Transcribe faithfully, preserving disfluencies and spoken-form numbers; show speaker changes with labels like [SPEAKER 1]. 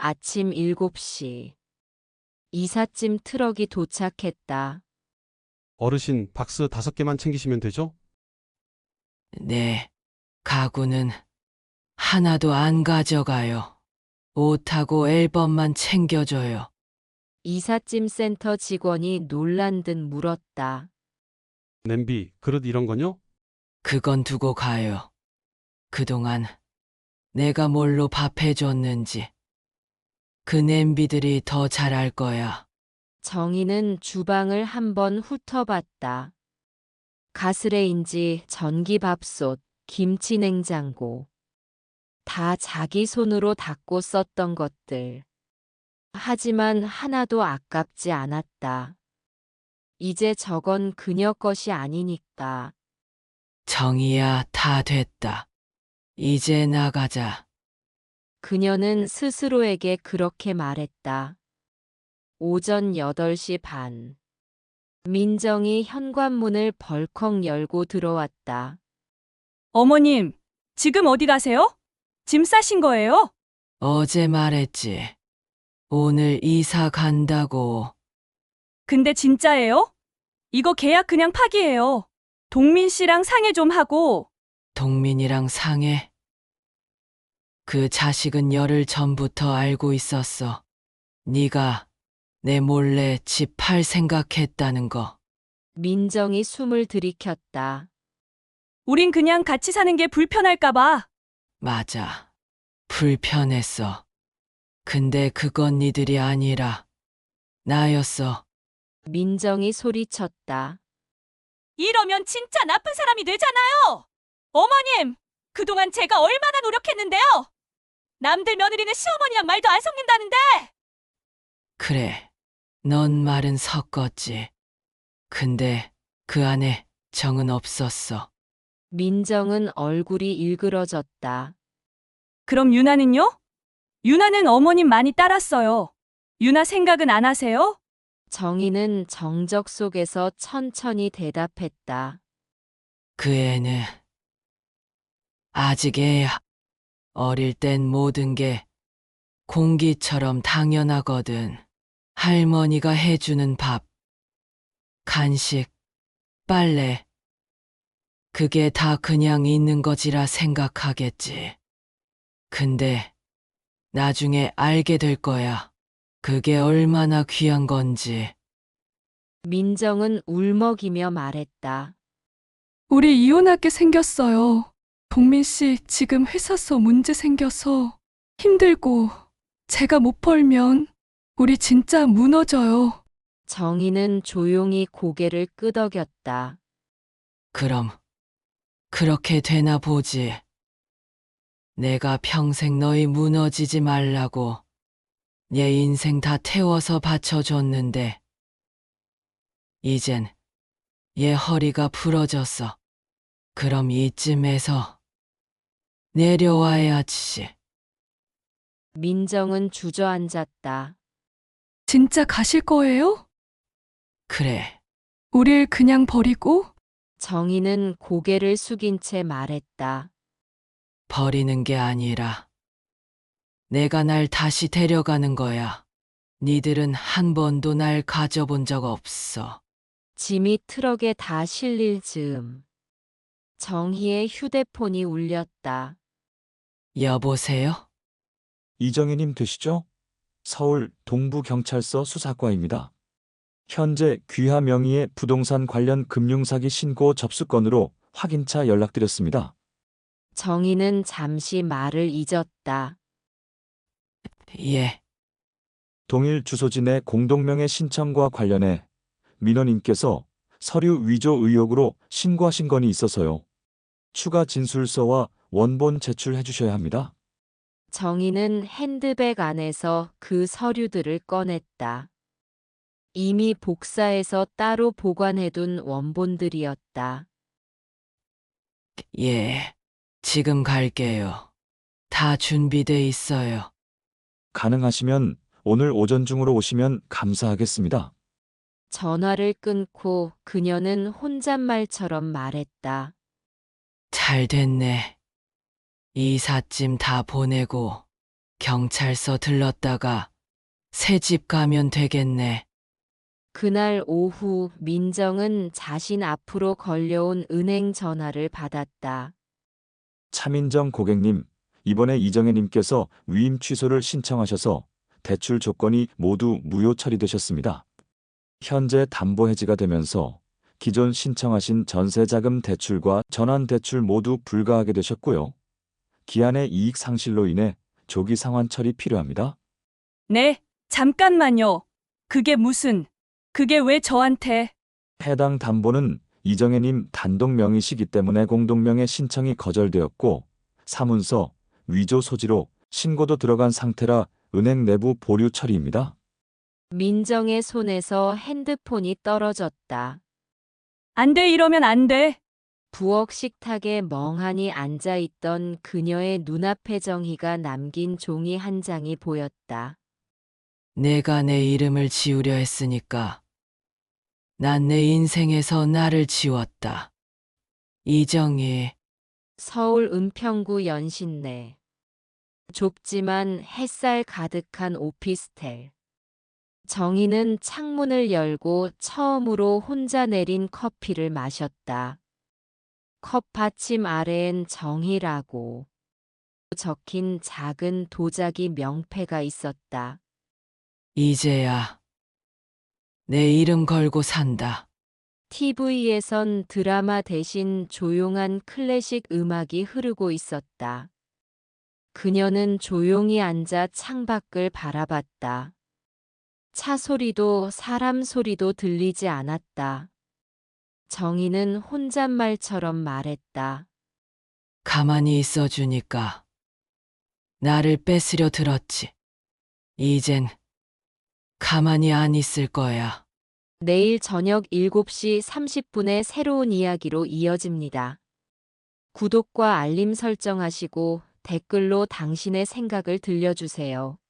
[SPEAKER 1] 아침 일곱 시. 이삿짐 트럭이 도착했다.
[SPEAKER 2] 어르신, 박스 다섯 개만 챙기시면 되죠?
[SPEAKER 3] 네, 가구는 하나도 안 가져가요. 옷하고 앨범만 챙겨줘요.
[SPEAKER 1] 이삿짐 센터 직원이 놀란 듯 물었다.
[SPEAKER 2] 냄비, 그릇 이런 건요?
[SPEAKER 3] 그건 두고 가요. 그동안 내가 뭘로 밥 해줬는지 그 냄비들이 더 잘할 거야.
[SPEAKER 1] 정희는 주방을 한번 훑어봤다. 가스레인지, 전기밥솥, 김치냉장고. 다 자기 손으로 닦고 썼던 것들. 하지만 하나도 아깝지 않았다. 이제 저건 그녀 것이 아니니까.
[SPEAKER 3] 정이야, 다 됐다. 이제 나가자.
[SPEAKER 1] 그녀는 스스로에게 그렇게 말했다. 오전 여덟 시 반. 민정이 현관문을 벌컥 열고 들어왔다.
[SPEAKER 4] 어머님, 지금 어디 가세요? 짐 싸신 거예요?
[SPEAKER 3] 어제 말했지. 오늘 이사 간다고.
[SPEAKER 4] 근데 진짜예요? 이거 계약 그냥 파기예요. 동민 씨랑 상의 좀 하고.
[SPEAKER 3] 동민이랑 상해. 그 자식은 열흘 전부터 알고 있었어. 네가 내 몰래 집 팔 생각했다는 거.
[SPEAKER 1] 민정이 숨을 들이켰다.
[SPEAKER 4] 우린 그냥 같이 사는 게 불편할까 봐.
[SPEAKER 3] 맞아. 불편했어. 근데 그건 니들이 아니라 나였어.
[SPEAKER 1] 민정이 소리쳤다.
[SPEAKER 4] 이러면 진짜 나쁜 사람이 되잖아요. 어머님, 그동안 제가 얼마나 노력했는데요. 남들 며느리는 시어머니랑 말도 안 섞는다는데.
[SPEAKER 3] 그래. 넌 말은 섞었지. 근데 그 안에 정은 없었어.
[SPEAKER 1] 민정은 얼굴이 일그러졌다.
[SPEAKER 4] 그럼 유나는요? 유나는 어머님 많이 따랐어요. 유나 생각은 안 하세요?
[SPEAKER 1] 정희는 정적 속에서 천천히 대답했다.
[SPEAKER 3] 그 애는 아직 애야. 어릴 땐 모든 게 공기처럼 당연하거든. 할머니가 해주는 밥, 간식, 빨래. 그게 다 그냥 있는 거지라 생각하겠지. 근데 나중에 알게 될 거야. 그게 얼마나 귀한 건지.
[SPEAKER 1] 민정은 울먹이며 말했다.
[SPEAKER 5] 우리 이혼하게 생겼어요. 동민 씨 지금 회사서 문제 생겨서 힘들고 제가 못 벌면 우리 진짜 무너져요.
[SPEAKER 1] 정희는 조용히 고개를 끄덕였다.
[SPEAKER 3] 그럼 그렇게 되나 보지. 내가 평생 너희 무너지지 말라고 내 인생 다 태워서 바쳐줬는데 이젠 얘 허리가 부러졌어. 그럼 이쯤에서 내려와야지.
[SPEAKER 1] 민정은 주저앉았다.
[SPEAKER 5] 진짜 가실 거예요?
[SPEAKER 3] 그래.
[SPEAKER 5] 우릴 그냥 버리고?
[SPEAKER 1] 정희는 고개를 숙인 채 말했다.
[SPEAKER 3] 버리는 게 아니라 내가 날 다시 데려가는 거야. 니들은 한 번도 날 가져본 적 없어.
[SPEAKER 1] 짐이 트럭에 다 실릴 즈음. 정희의 휴대폰이 울렸다.
[SPEAKER 3] 여보세요?
[SPEAKER 6] 이정희님 되시죠? 서울 동부경찰서 수사과입니다. 현재 귀하 명의의 부동산 관련 금융사기 신고 접수 건으로 확인차 연락드렸습니다.
[SPEAKER 1] 정희는 잠시 말을 잊었다.
[SPEAKER 3] 예.
[SPEAKER 6] 동일 주소지 내 공동명의 신청과 관련해 민원인께서 서류 위조 의혹으로 신고하신 건이 있어서요. 추가 진술서와 원본 제출해 주셔야 합니다.
[SPEAKER 1] 정희는 핸드백 안에서 그 서류들을 꺼냈다. 이미 복사해서 따로 보관해둔 원본들이었다.
[SPEAKER 3] 예. 지금 갈게요. 다 준비돼 있어요.
[SPEAKER 6] 가능하시면 오늘 오전 중으로 오시면 감사하겠습니다.
[SPEAKER 1] 전화를 끊고 그녀는 혼잣말처럼 말했다.
[SPEAKER 3] 잘 됐네. 이삿짐 다 보내고 경찰서 들렀다가 새 집 가면 되겠네.
[SPEAKER 1] 그날 오후 민정은 자신 앞으로 걸려온 은행 전화를 받았다.
[SPEAKER 6] 차민정 고객님, 이번에 이정혜님께서 위임 취소를 신청하셔서 대출 조건이 모두 무효 처리되셨습니다. 현재 담보 해지가 되면서 기존 신청하신 전세자금 대출과 전환대출 모두 불가하게 되셨고요. 기한의 이익 상실로 인해 조기 상환 처리 필요합니다.
[SPEAKER 4] 네, 잠깐만요. 그게 무슨, 그게 왜 저한테?
[SPEAKER 6] 해당 담보는 이정혜님 단독 명의시기 때문에 공동명의 신청이 거절되었고 사문서, 위조 소지로 신고도 들어간 상태라 은행 내부 보류 처리입니다.
[SPEAKER 1] 민정의 손에서 핸드폰이 떨어졌다.
[SPEAKER 4] 안 돼, 이러면 안 돼.
[SPEAKER 1] 부엌 식탁에 멍하니 앉아있던 그녀의 눈앞에 정희가 남긴 종이 한 장이 보였다.
[SPEAKER 3] 내가 내 이름을 지우려 했으니까 난 내 인생에서 나를 지웠다. 이정희.
[SPEAKER 1] 서울 은평구 연신내. 좁지만 햇살 가득한 오피스텔. 정희는 창문을 열고 처음으로 혼자 내린 커피를 마셨다. 컵 받침 아래엔 정희라고 적힌 작은 도자기 명패가 있었다.
[SPEAKER 3] 이제야 내 이름 걸고 산다.
[SPEAKER 1] 티비에선 드라마 대신 조용한 클래식 음악이 흐르고 있었다. 그녀는 조용히 앉아 창밖을 바라봤다. 차 소리도 사람 소리도 들리지 않았다. 정희는 혼잣말처럼 말했다.
[SPEAKER 3] 가만히 있어주니까 나를 뺏으려 들었지. 이젠 가만히 안 있을 거야.
[SPEAKER 1] 내일 저녁 일곱 시 삼십 분에 새로운 이야기로 이어집니다. 구독과 알림 설정하시고 댓글로 당신의 생각을 들려주세요.